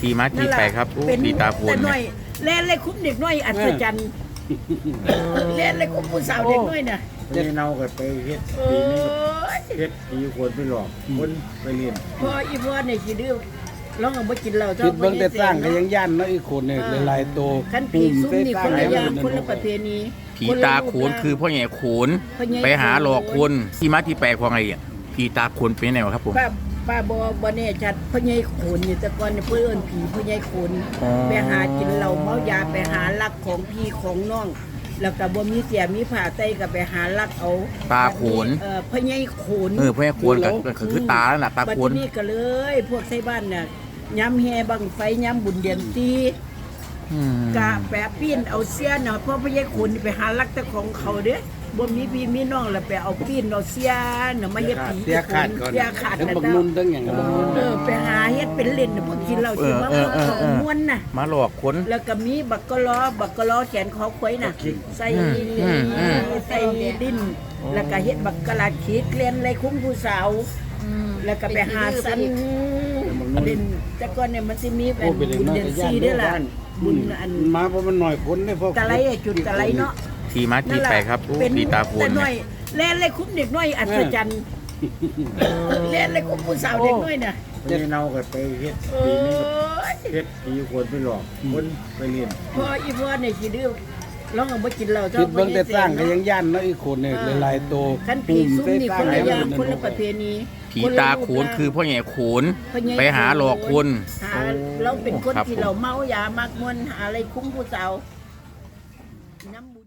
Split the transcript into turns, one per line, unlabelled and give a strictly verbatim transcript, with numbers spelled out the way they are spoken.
ที่มาที่ไปครับอู้ผีตาโขน
แต่หน่
เนี่
อย ยเล่นเลยคุ้มเด็กน้อยอัศจรรย์เล่นเลยคุ้มผู้สาวเด็กน้อยน่ะ
ไปเนาก็ไปเฮ็ด
โอ้
ปีนึง
ย
เฮ็ดปีคนไปหลอกคนไปเรียน
พออีพ่อเนี่ยสิดื้อร้องเอาบ่กินเหล้า
คิดเบิ่งแต่สร้างก็ยังย่านเนาะอีกคนเนี่ยหลายๆตัว
คันผีซุ่มนี่คนละอย่างคนละประเพณี
ผีตาโขนคือพ่อใหญ่โขน
พ่อใหญ่
ไปหาหลอกคนที่มาที่ไปของไงอ่ะผีตาโขนเป็นไงวะครับผม
ป้าป้าบ่บ่แน่ชัดพ่อใหญ่โขนนี่แต่ก่อนเนี่ยเพิ่นเอิ้นผีพ่อใหญ่โขน
อ๋อ
ไปหากินเหล้าเมายาไปหาลักของพี่ของน้อง แล้วก็บ่มีเสียมีผ่าไตก็ไปหาลักเอา
ตาโขน
เอ่อพ่อใหญ่โขน
เออพ่อใหญ่โขนก็ก็คือตาแล้วน่ะตา
บัด
โขน
นี้ก็เลย พวกไทบ้านน่ะย้ำแห่บังไฟย้ำบุญเดือนตี
อืม
กะแปะปีนเอาเสียน่ะเพราะพ่อใหญ่โขนนี่ไปหาลักแต่ของเขาเด้บ่มีพี่มีน้องแล้วไปเอาปีนเอาเสียน่ะมาเฮ็ดผี
เสียขาดก่อน
เสียขาด
ทั้ง
แต่
บักนุ่นทั้งอย่าง
เออไปหาเฮ็ดเป็นเล่นน่ะพวกกินเหล้าสิมาของม่วนน่ะ
มาหลอกคน
แล้วก็มีบักกะล้อบักกะล้อแขนคอควายน่ะใส่
อืมอืมอืม
ใส่ดิน แล้วก็เฮ็ดบักกะลาขีดเลียนไรคุ้มผู้สาว แล้วก็ไปหาสันเล่นแต่ก่อนเนี่ยมันสิมีเป็น
โอ้เป็น
บุญ
เนาะ
เดือนสี่เด้อล่ะบุญอัน
มาเพราะมันหน่อยคนได้พอ
ตะไลอะจุดตะไลเนาะ
ที่มาที่ไปครับอู้
เป็น
ผีตาโขน
แต่หน่
เนี่
อย ยเล่นเลยคุ้มเด็กน้อยอัศจรรย์เล่นเลยคุ้มผู้สาวเด็กน้อยน่ะ
ไปเนาก็ไปเฮ็ด
โอ้
ปีนึง
ย
เฮ็ดปีคนไปหลอกคนไปเรียน
พออีพ่อเนี่ยสิดื้อร้องเอาบ่กินเหล้า
คิดเบิ่งแต่สร้างก็ยังย่านเนาะอีกคนเนี่ยหลายๆตัว
คันผีซุ่มนี่คนละอย่างคนละประเพณี
ผีตาโขนคือพ่อใหญ่โขน
พ่อใญ่
ไปหาหลอกคน
หาเราเป็นคน
ครับ
ที่เราเมายามากมวนหาอะไรคุ้มผู้สาวน้ำบุญ